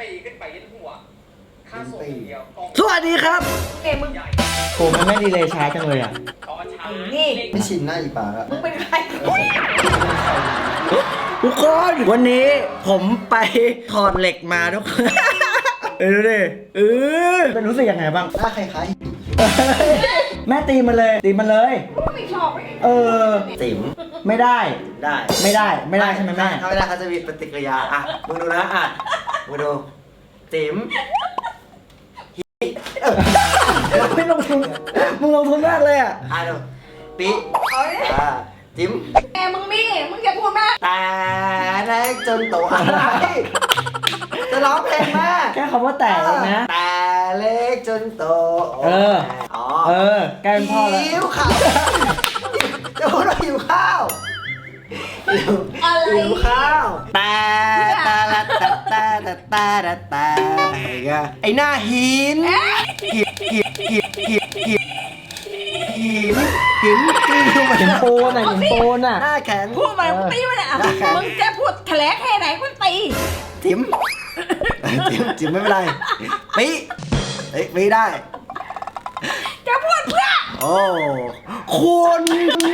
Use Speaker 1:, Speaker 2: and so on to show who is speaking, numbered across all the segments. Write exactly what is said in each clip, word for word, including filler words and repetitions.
Speaker 1: ปีขึ้นไปยันหัวค่าส่งเดียว
Speaker 2: สวัสดีครับ
Speaker 3: เอ็มมึง
Speaker 2: โอ้มันไม่ดีเลยช้าจังเลยอ่ะ
Speaker 3: นี่
Speaker 4: ไม่ชินหน้าอีปากอะ
Speaker 3: มึงเป็นใคร
Speaker 2: ทุกคนวันนี้ผมไปถอดเหล็กมาทุกคนเออดูดิเออเป็นรู้สึกยังไงบ้าง
Speaker 4: หน้าคล้าย
Speaker 2: แม่ตีมันเลยตีมันเลย
Speaker 3: ไม่ชอบ
Speaker 2: เออ
Speaker 4: ติ๋ม
Speaker 2: ไม่ได้
Speaker 4: ได้
Speaker 2: ไม่ได้ไม่ได้ใช่ไหมแม่
Speaker 4: ถ้าไม่ได้เขาจะมีปฏิกิริยาอ่ะมึงดูนะอ่ะมึงดูติ๋ม
Speaker 2: ไม่ลงทุนมึงลงทุนมากเลยอ่ะ
Speaker 4: อ่ะดูปีอ่ะติ๋ม
Speaker 3: แกมึงมีมึงอย่าพูดมาก
Speaker 4: แต่เล็กจนโตอะไรจะร้องเพลงมา
Speaker 2: แค่คำว่าแต่นะ
Speaker 4: แต่เล็กจนโต
Speaker 2: เอออ๋อเออแกเป็นพ่อแล้ว
Speaker 4: หิวข้าวจะพูดว่าหิวข้าว
Speaker 3: อะไร
Speaker 4: หิวข้าวแต่แต่ละแต่แต่แต่แต่แต่แต่ไอหน้าหินหินหินหินหินหินหินหิน
Speaker 2: หินปูนอ่ะหินปูนอ่ะ
Speaker 4: หน้าแข็ง
Speaker 3: พูดมามึงตีมันอ่ะมึงจะพูดแถลงแค่ไหนมึงตี
Speaker 4: จิ๋มจิ๋มจิ๋มไม่เป็นไรปีเอ้ยปีได้
Speaker 3: จะพูดเพื่อ
Speaker 4: โอ้
Speaker 2: คุณ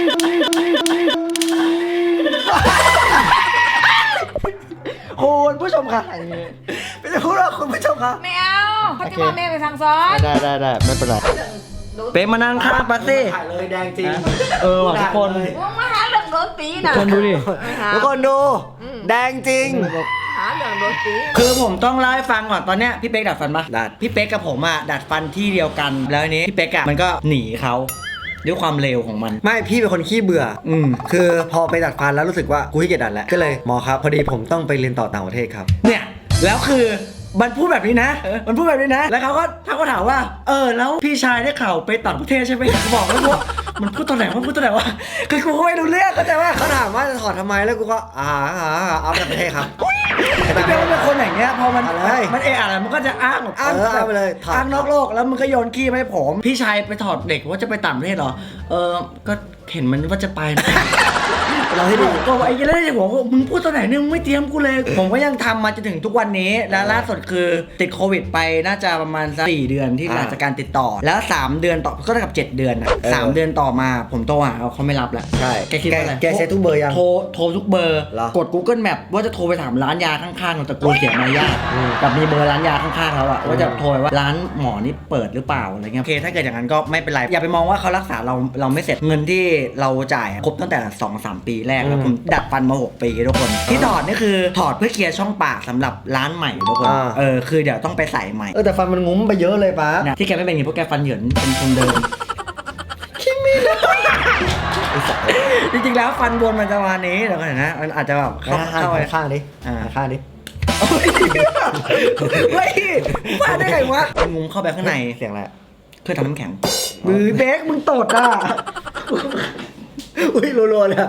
Speaker 2: คุณผู้ชมค่ะ
Speaker 4: ไม่จะพูดหรอกคุณผู้ชมครับ
Speaker 3: ไม่เอาเขาจะมาแม่ไปสั่งสอน
Speaker 2: ได้ได้ได้ไม่เป็นไรเป๊ะมานั่งข้างปัสซี่
Speaker 4: ถ่ายเลยแดงจริง
Speaker 2: เออทุกคน
Speaker 3: มึงมาหาเรื่องโดนตีนะ
Speaker 2: ทุกคนดูดิ
Speaker 4: ทุกคนดูแดงจริง
Speaker 3: หาเรื่องโดนตี
Speaker 2: คือผมต้องเล่าให้ฟังก่อนตอนเนี้ยพี่เป๊กดัดฟันปะ
Speaker 4: ดัด
Speaker 2: พี่เป๊กกับผมอ่ะดัดฟันที่เดียวกันแล้วอันนี้พี่เป๊กอ่ะมันก็หนีเขาด้วยความเร็วของมัน
Speaker 4: ไม่พี่เป็นคนขี้เบื่อ
Speaker 2: อืม
Speaker 4: คือพอไปดัดฟันแล้วรู้สึกว่ากูขี้เกียจดัดแล้วก็เลยหมอครับพอดีผมต้องไปเรียนต่อต่างประเทศครับ
Speaker 2: เนี่ยแล้วคือมันพูดแบบนี้นะมันพูดแบบนี้นะแล้วเขาก็เขาก็ถามว่าเออแล้วพี่ชายได้ข่าวไปต่างประเทศใช่ไหมบอกแล้วว่ามันพูดตอนไหนว่าพูดตอนไหนวะคือกูไม่รู้เรื่องเข้าใจว่า
Speaker 4: เขาถามว่าจะถอดทำไมแล้วกูก็อ่าอ่าเอาต่างประเทศครับ
Speaker 2: แต่เป็นคนอย่างเงี้ยพอมันมันเอออะไรมันก็จะอ้าง
Speaker 4: อ้าง
Speaker 2: ไปเลยอ้างนอกโลกแล้วมันก็โยนขี้มาให้ผมพี่ชายไปถอดเด็กว่าจะไปต่างประเทศเหรอเออก็เห็นมันว่าจะไป
Speaker 4: เราให้ดู
Speaker 2: ก็ไอ้เรื่องที่ผมมึงพูดตอนไหนเนี่ยมึงไม่เตรียมกูเลยผมก็ยังทำมาจนถึงทุกวันนี้แล้วล่าสุดคือติดโควิดไปน่าจะประมาณสักสี่เดือนที่หลังจากการติดต่อแล้วสามเดือนต่อก็เท่ากับเจ็ดเดือนนะสามเดือนต่อมาผมโทรหาเขาไม่รับแล้ว
Speaker 4: ใช่
Speaker 2: แกคิดว่าอะไร
Speaker 4: แกเซ็ตทุกเบอร์ยัง
Speaker 2: โทรโทรทุกเบอร์กด Google Map ว่าจะโทรไปถามร้านยาข้างๆแต่กูเสียมารยาทกับมีเบอร์ร้านยาข้างๆแล้วอะว่าจะโทรว่าร้านหมอนี่เปิดหรือเปล่าอะไรเงี้ยโอเคถ้าเกิดอย่างนั้นก็ไม่เป็นไรอย่าไปมองว่าเขารักษาเราเราไม่เสร็จเงินที่เราจ่ายครบตั้งแต่ สองสาม ปีแรกแล้วผมดัดฟันมาหกปีทุกคนที่ถอดนี่คือถอดเพื่อเคลียร์ช่องปากสำหรับร้านใหม่ทุกคนเออคือเดี๋ยวต้องไปใส่ใหม่
Speaker 4: เออแต่ฟันมันงุ้มไปเยอะเลยป้า
Speaker 2: ที่แกไม่เป็นอย่างนี้เพราะแกฟันเหยินเป็นคนเดิม
Speaker 4: คิมิโนะ
Speaker 2: จริงๆแล้วฟันบนมันจะมานี้เดี๋ยวก่อนนะมันอาจจะแบบ
Speaker 4: เข้าเข้าไปข้างดิอ่าข้างดิ
Speaker 2: เฮ้ยมาได้ไงวะงุ้มเข้าไปข้างใน
Speaker 4: เสียงอะไร
Speaker 2: เพื่อทำน้ำแข็งมือเบคมึงตดอ่ะ
Speaker 4: อุ้ยรัวๆเลย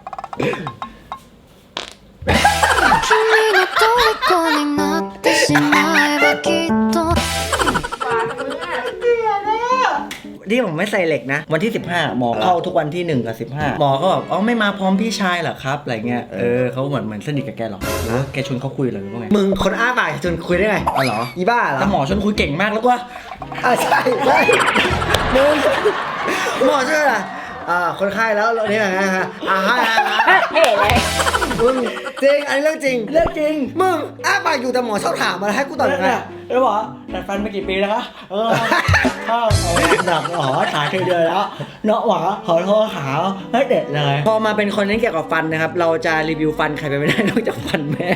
Speaker 2: ที่ผมไม่ใส่เหล็กนะวันที่สิบห้าหมอเข้าทุกวันที่หนึ่งกับสิบห้าหมอก็แบบอ๋อไม่มาพร้อมพี่ชายเหรอครับอะไรเงี้ยเออเขาเหมือนเหมือนสนิทกับแกหรอแกชวนเขาคุยหรือว่าไง
Speaker 4: มึงคนอ้าปากชวนคุยได้ไง
Speaker 2: อ๋อเหรอ
Speaker 4: อีบ้าเหรอ
Speaker 2: แต่หมอชวนคุยเก่งมากแล้วก็
Speaker 4: อ่าใช่ใช่มึงหมอช่วยอ่ะอ่าคนไข้แล้วนี่ไงฮะอ่าฮะ
Speaker 3: เฮ้ยเลย
Speaker 4: มึงจริงอันนี้เรื่องจริง
Speaker 2: เรื่องจริง
Speaker 4: มึงอ้าปากอยู่แต่หมอชอบถามมาให้กูตอบยังไง
Speaker 2: เออหมอดัดฟันมากี่ปีแล้วคะเออข้าวหนักหมอถ่ายเคยเดือนแล้วเนาะหมอขอโทษขาให้เด็ดเลยพอมาเป็นคนนี้เกี่ยวกับฟันนะครับเราจะรีวิวฟันใครไปไม่ได้นอกจากฟันแม่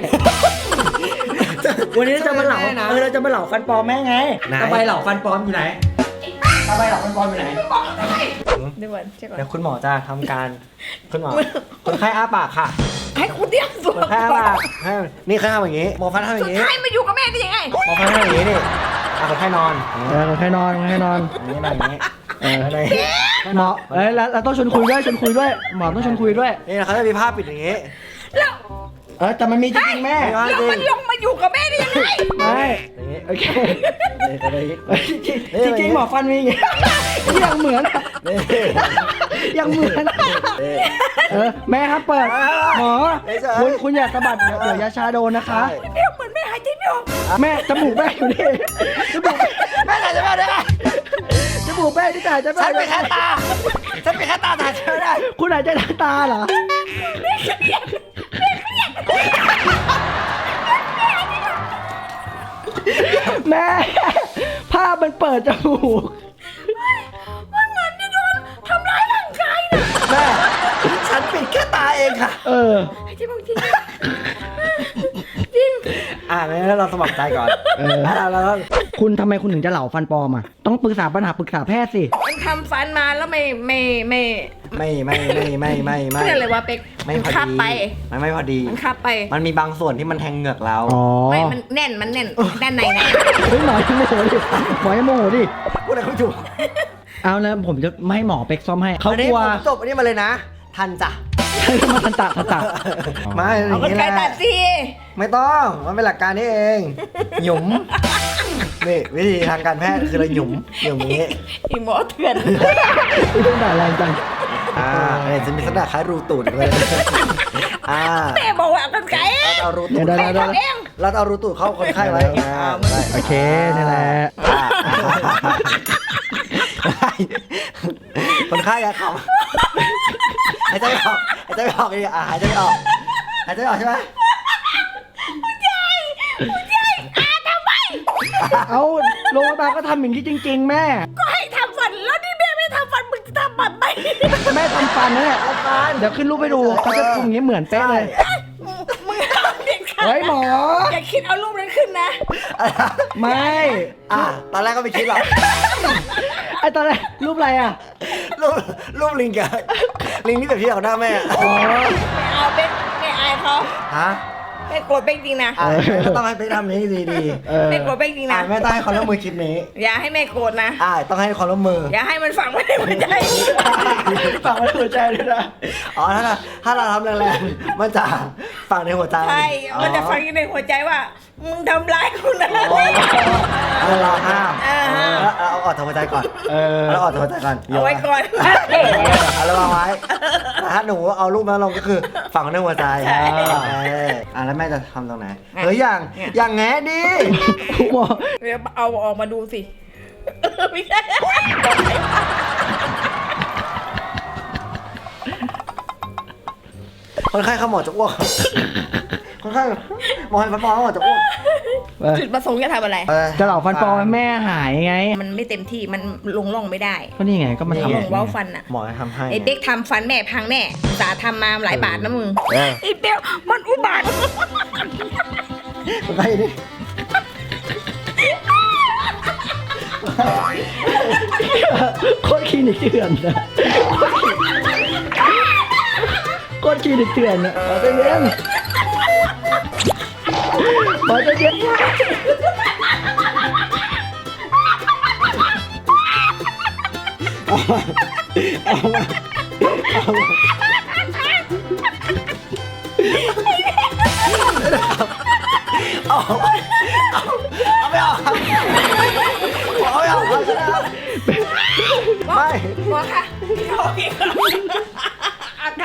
Speaker 2: วันนี้จะมาเหล่าเออเราจะมาเหล่าฟันปลอมแม่ไงตะไบเหล่าฟันปลอมอยู่ไหนตะไบเหล่าฟันปลอมอยู่ไหน
Speaker 3: เดี๋ยวก่อนเช็คก่อน
Speaker 4: เดี๋ยวคุณหมอจะทำการคุณหมอคนไข้อ้าปากค่ะ
Speaker 3: ให้คุณเตรียมตัว
Speaker 4: คนไข้อ้าปากนี่เขาทำอย่างนี้หมอฟันทำอย่างนี้
Speaker 3: คนไข้มาอยู่กับแม่ได้ยังไง
Speaker 4: หมอฟันทำอย่างนี้นี่คนไข้นอน
Speaker 2: คนไข้นอนคนไข้นอน
Speaker 4: นี่อะไรอย่างนี้เอออะไร
Speaker 2: หมอเอ้ยแล้วเราต้องชวนคุยด้วยชวนคุยด้วยหมอต้องชวนคุยด้วย
Speaker 4: นี่เขาจะมีภาพปิดอย่างนี้
Speaker 3: แล้ว
Speaker 2: เออแต่มันมีจริงแม่
Speaker 3: แล้วมันลงมาอยู่กับแม่ได้ยังไง
Speaker 2: ไม่โอเคจริงจริงหมอฟันมีอย่างงี้ยังเหมือนยังเหมือนเออแม่ครับเปิดหมอคุณคุณอย่าสะบัดเดี๋ยวยาชาโดนนะคะ
Speaker 3: เดี๋ยวเหมือนแม่หายใจไม่อยู่
Speaker 2: แม่จมูกแม่อยู่นี่จมูก
Speaker 4: แม่ถ่ายจะไม่ได้ไง
Speaker 2: จมูกแม่ที่ถ่ายจะไม่
Speaker 4: ฉันเป็นแค่ตาฉันเป็นแค่ตาถ่ายจะไม่ได้
Speaker 2: คุณหายใจทางตาเหรอแม่ภาพมันเปิดจมูก
Speaker 3: มันเหมือนจะโดนทำร้ายร่างกายนะ
Speaker 4: แม่ฉันปิดแค่ตาเองค่ะ
Speaker 2: เออ
Speaker 3: จริงจริงจริง
Speaker 4: อ่างั้นเราสมัครใจก่อน
Speaker 2: เออ
Speaker 4: แล้วเรา
Speaker 2: คุณทำไมคุณถึงจะเหลาฟันปลอมอ่ะต้องปรึกษาปัญหาปรึกษาแพทย์สิ
Speaker 3: มันทำฟันมาแล้วไม่ไม่ไม่
Speaker 4: ไม่ไม่ไม่ไม่ไม่ไม่
Speaker 3: เพื่ออะไรวะเป็ก
Speaker 4: ไม่
Speaker 3: มัน
Speaker 4: พอ
Speaker 3: คับ
Speaker 4: ดี
Speaker 3: ไป
Speaker 4: มันไม่พอดี
Speaker 3: มันคับไป
Speaker 4: มันมีบางส่วนที่มันแทงเหงือกเรา
Speaker 2: อ๋อ
Speaker 3: ไม่มันแน่นมันแน่นด้านในนะ
Speaker 2: เฮ้ยหมอยังโมโหดิหมอยังโมโหดิ
Speaker 4: พูดอะไรเขาถูก
Speaker 2: เอาแล้วผมจะไม่ให้หมอเป็กซ่อมให้เขา
Speaker 4: อัน
Speaker 2: ก
Speaker 4: นี้
Speaker 2: ลัว
Speaker 4: ผมจบอันนี้มาเลยนะ ทันจ้ะ
Speaker 2: ใช่มาทันตะทันตะ
Speaker 4: ไม่อ
Speaker 3: เอา
Speaker 4: ย่าง
Speaker 3: กัน
Speaker 4: นี้
Speaker 3: ไกล
Speaker 4: แห
Speaker 3: ตั
Speaker 4: ละ
Speaker 3: ดสิ
Speaker 4: ไม่ต้อง มันเป็นหลักการนี้เอง หยุมนี่วิธีทางการแพทย์คือเราหยุมหยุมอย่างนี้
Speaker 3: อีหมอเถื่อน
Speaker 2: ไม่ต้องด่าแรงจัง
Speaker 4: อ่าเนี่ยจะมีลักษณะคล้ายรูตูดเลยอ่า
Speaker 3: แม่บอกว่าเอากันไกล
Speaker 4: เราจะเอารูตู
Speaker 2: เดี๋ย
Speaker 4: ด
Speaker 2: ว
Speaker 3: แม่
Speaker 2: เดี๋ยว
Speaker 3: ทำเอง
Speaker 4: เราจะเอารูตูดเข้าคนไข้ไว้อ่าได้
Speaker 2: โอเคนี่แหละ
Speaker 4: อ่าคนไข้อะขำหายใจไม่ออกหายใจไม่ออกดิอ่าหายใจไม่ออกหายใจไม่ออกใช่ไหม
Speaker 2: เอาโรงพยาบาลก็ทำอย่างนี้จริง ๆ แม่
Speaker 3: ก็ให้ทำฟันแล้วนี่แม่ไม่ทำฟันมึงจะทำฟันไหม
Speaker 2: แม่ทำฟันนะเนี่ยเดี๋ยวขึ้นรูปให้ดูเขาจะทำอย่างนี้เหมือนเป๊ะเลย
Speaker 3: มึงทำเด็ดขาด
Speaker 2: เฮ้ยหมอ
Speaker 3: อย่าคิดเอารูปนั้นขึ้นนะ
Speaker 2: ไม่
Speaker 4: อ่าตอนแรกก็ไม่คิดหรอก
Speaker 2: ไอตอนแรกรูปอะไรอ่ะ
Speaker 4: รูปรูปลิงกับลิงที่แบบที่เอาหน้าแม่อะ
Speaker 2: อ๋อ
Speaker 3: ไม่เอาเป็นไม่อายเขา
Speaker 4: ฮะ
Speaker 3: ไม่โกรธเป็นจริงนะ
Speaker 4: อ่าก็ต้องให้ไปทำนี้ดีดี
Speaker 2: เออ
Speaker 3: ไม่โกรธเป็นจริง
Speaker 4: อ่า
Speaker 3: นะ
Speaker 4: แม่ต้องให้ความร่วมมือคลิปนี้
Speaker 3: อย่าให้แม่โกรธนะ
Speaker 4: อ่าต้องให้ความร่วมมือ
Speaker 3: อย่าให้มันฝังไว้ในหัวใจ
Speaker 2: ฝากไว้ในหัวใจเลยนะ
Speaker 4: อ๋อถ้าเราถ้าเราทำแรงๆมันจะฝังในหัวใจ
Speaker 3: ใช่ มันจะฝังอยู่ในหัวใจว่ามึงทำร้ายกูนะ
Speaker 4: อ๋อแล้วเราห้าม
Speaker 3: อ่า
Speaker 4: แล้วเอาออกจากหัวใจก่อน
Speaker 2: เออ
Speaker 4: แล้วออกจากหัวใจก่อน
Speaker 3: เอาไว้ก่อน
Speaker 4: เอาระวังไว้แต่ถ้าหนูเอารูปนั้นลงก็คือฝังในหัวใจ
Speaker 3: ใช่
Speaker 4: เอออ่าแล้วแม่จะทำตรงไหนเฮ้ยอย่างอย่างแง่ดิ
Speaker 2: หมอ
Speaker 3: เดี๋ยวเอาออกมาดูสิ ไม่ใช่
Speaker 4: คนไข้เขาหมอจะอ้วกคนไข้หมอให้ฟันปลอมเขาหมอจะอ้วก
Speaker 3: จุดประสงค์จะทำอะไร
Speaker 2: จะเหล่าฟันปลอมให้แม่หายไง
Speaker 3: มันไม่เต็มที่ มันลงร่องไม่ได้
Speaker 2: ก็นี่ไงก็มัน
Speaker 3: ล
Speaker 2: ทำ
Speaker 3: งเว้าฟันอ่ะ
Speaker 4: หมอจะทำให้
Speaker 3: ไอ้เป๊กทำฟันแม่พังแน่อุตสาห์ทำมาหลายบาทนะมึง
Speaker 4: เออ
Speaker 3: ไอ้เป๊กมันอุบาท
Speaker 4: คนไข้ดิ
Speaker 2: โคตรคลินิกเถื่อนนะโคตรคลินิกเถื่อนนะขอใจเย็นขอใจเย็นเอามาเอามา
Speaker 4: เอาเอาเอาไม่ออกครับเอาไม่ออกครับไม่
Speaker 3: หมอค่ะโอเคอาการ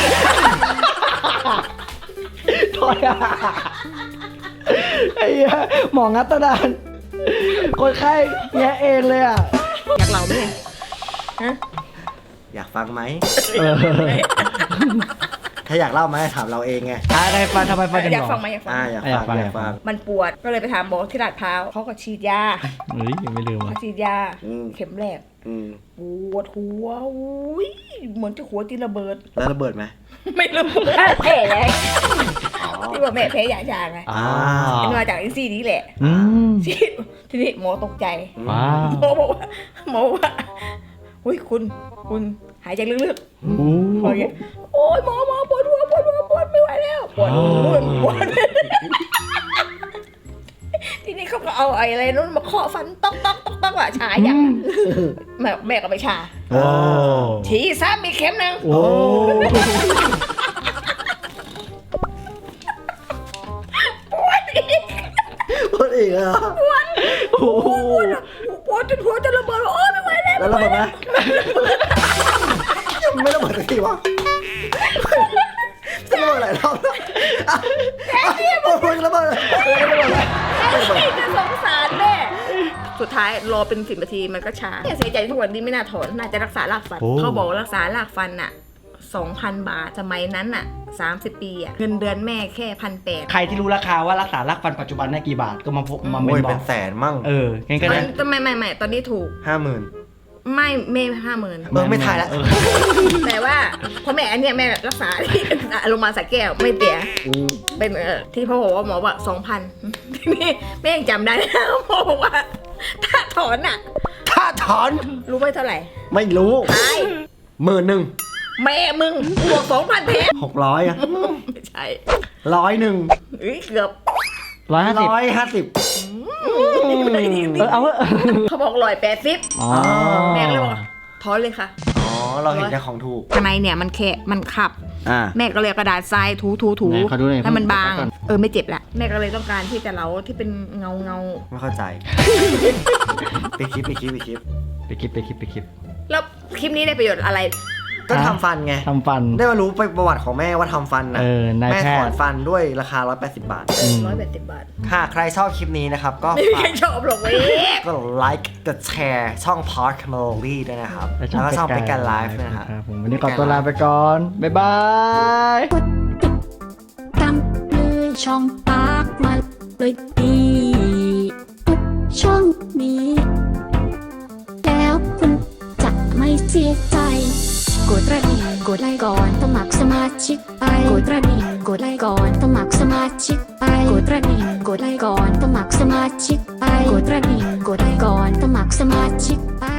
Speaker 2: ถอยอ่ะไอ้เหี้ยหมองัดตะดานคนไข้แงะเองเลยอ่ะ
Speaker 3: อยากเล่าไหมฮะ
Speaker 4: อยากฟังไหม
Speaker 2: เออ
Speaker 4: ถ้าอยากเล่าไหมถามเราเองไง
Speaker 2: อะไรฟันทำไมฟันถึง
Speaker 3: อยาก
Speaker 2: หรอ
Speaker 3: ฟังไหมอยากฟัง
Speaker 4: อ่า
Speaker 3: ไหม
Speaker 4: อยาก
Speaker 2: อยากฟั
Speaker 4: ฟั
Speaker 2: ง
Speaker 4: งอยากฟัง
Speaker 3: มันปวดก็เลยไปถามหมอที่ลาดพร้าวเขาก็ฉีดยา
Speaker 2: เฮ้ยยังไม่ลืม
Speaker 3: เขา
Speaker 2: อ่ะ
Speaker 3: ฉีดยา
Speaker 4: อืม
Speaker 3: เข็มแรก
Speaker 4: อืม
Speaker 3: ปวดหัวอุ้ยเหมือนจะหัวตีระเบิด
Speaker 4: แล้วระเบิดไหม
Speaker 3: ไม่รู้แพ้เลยที่ว่าแม่แพ้ยาชาไง
Speaker 2: อ่า
Speaker 3: เป็นมาจากไอ้ซี่นี้แหละ
Speaker 2: อืม
Speaker 3: ฉีดทีนี้หมอตกใจ
Speaker 2: ว้าว
Speaker 3: หมอบอกว่าหมอบอกว่าอุ้ยคุณคุณหายใจลึกๆ
Speaker 2: โอ้
Speaker 3: พออย่างเงี้ยโอ้ยหมอหมอปวดหัวปวดหัวปวดไม่ไหวแล้วปวดปวดปวดทีนี้เขาก็เอาไอ้อะไรนู้นมาเคาะฟันต๊อกต๊อกต๊อกต๊อกอะชาอย่างแม่แม่ก็ไปชา
Speaker 2: โอ้
Speaker 3: ฉีดซ้ำอีกเข็มหนึง
Speaker 2: โอ้
Speaker 3: ปวดอีก
Speaker 4: พูดอีกเหรอ
Speaker 3: ปวด
Speaker 2: โห
Speaker 3: ปวดปวดจนหัวจะระเบิดโอ้ยไม่ไหวแล้ว
Speaker 4: แล้วระเบิดไหมยังไม่ระเบิดสักทีวะจะระเบิดหลายรอบแล้วอ่ะอ่ะปวดปวดระเบิดเลยระเบิดเลย
Speaker 3: สุดท้ายรอเป็นสิบนาทีมันก็ช้าเนี่ยเสียใจทุกวันนี้ไม่น่าถอนน่าจะรักษารากฟัน เขาบอกรักษารากฟันอ่ะสองพันบาทสมัยนั้นอ่ะสามสิบปีอ่ะเงินเดือนแม่แค่พันแปด
Speaker 2: ใครที่รู้ราคาว่ารักษารากฟันปัจจุบันได้กี่บาทก็มาพบมาเม
Speaker 4: โอ้ย
Speaker 2: นบอ
Speaker 4: เป็
Speaker 2: ก
Speaker 4: นแสนมั่ง
Speaker 2: เอองั้นก็
Speaker 3: มั
Speaker 2: ได้
Speaker 3: นไม่ไม่ไม่ตอนนี้ถูก
Speaker 4: ห้าหมื่น
Speaker 3: ไม่ไม่ห้าหมื่น
Speaker 4: เออไม่ถ่ายละ
Speaker 2: เออ
Speaker 3: แต่ว่าพอแม่อันเนี้ยแม่รักษาที่โรงพยาบาลสระแก้วไม่เสียเป็นเออที่พ่อบอกว่าหมอว่าสองพันนี่แม่ยังจำได้นะหมอบอกว่าถ้าถอนอ่ะ
Speaker 4: ถ้าถอน
Speaker 3: รู้ไหมเท่าไหร่
Speaker 4: ไม่รู้
Speaker 3: ใช่
Speaker 4: หมื่นหนึ่ง
Speaker 3: แม่มึงบวกสองพันแท้
Speaker 4: หกร้อยอะ
Speaker 3: ไม่ใช่
Speaker 4: ร้อยหนึ่ง
Speaker 3: เอ้ยเกือบ
Speaker 2: ร้อยห้าสิบ
Speaker 4: ร้อยห้าสิบ
Speaker 2: เออเอาเถอะ
Speaker 3: เขาบอกร้อยแปดสิบ
Speaker 2: อ๋อ
Speaker 3: แม่ก็เลยบอกถอนเลยค่ะ
Speaker 4: อ๋อ เราเห็นแต่ของถูก
Speaker 3: ข้างในเนี่ยมันแค่มันขับ
Speaker 2: อ่า
Speaker 3: แม่ก็เลยเอากระดาษทรายถูถูถู
Speaker 2: ไหนขอดูหน่อย
Speaker 3: ให้มันบาง
Speaker 2: ขอดูก่อน
Speaker 3: เออไม่เจ็บละแม่ก็เลยต้องการที่จะเล้าที่เป็นเงาเงา
Speaker 4: ไม่เข้าใจ ไปคลิปไปคลิปไปคลิป
Speaker 2: ไปคลิปไปคลิปไปคลิป
Speaker 3: แล้วคลิปนี้ได้ประโยชน์อะไร
Speaker 4: ก็ทำฟันไง
Speaker 2: ทำฟัน
Speaker 4: ได้มารู้ไปประวัติของแม่ว่าทำฟันนะ
Speaker 2: เออนาย
Speaker 4: แม่
Speaker 2: แพ
Speaker 4: ถ
Speaker 2: ทย์
Speaker 4: อนฟันด้วยราคา ร้อยแปดสิบบาท
Speaker 3: เออร้อยแปดสิบบาท
Speaker 4: หากใครชอบคลิปนี้นะครับ ก็
Speaker 3: ไม่มี
Speaker 4: ฝา
Speaker 3: ใคร
Speaker 4: ก
Speaker 3: ชอบหรอกเว้ย
Speaker 4: ก็ไลค์กดแชร์ช่อง Park Melody ด้วยนะครับ แล้วก็ช่องเป็นการไลฟ์นะครับ
Speaker 2: ครับผมวันนี้ขอตัวลาไปก่อน บ๊ายบาย
Speaker 5: ตามเลยช่องปากมาเลยดีทุกช่องนี้ แล้วคุณจะไม่เสียใจกดกระดิ่งกดไลค์ก่อนสมัครสมาชิกไปกดกระดิ่งกดไลค์ก่อนสมัครสมาชิกไปกดกระดิ่งกดไลค์ก่อนสมัครสมาชิกไปกดกระดิ่งกดไลค์ก่อนสมัครสมาชิกไป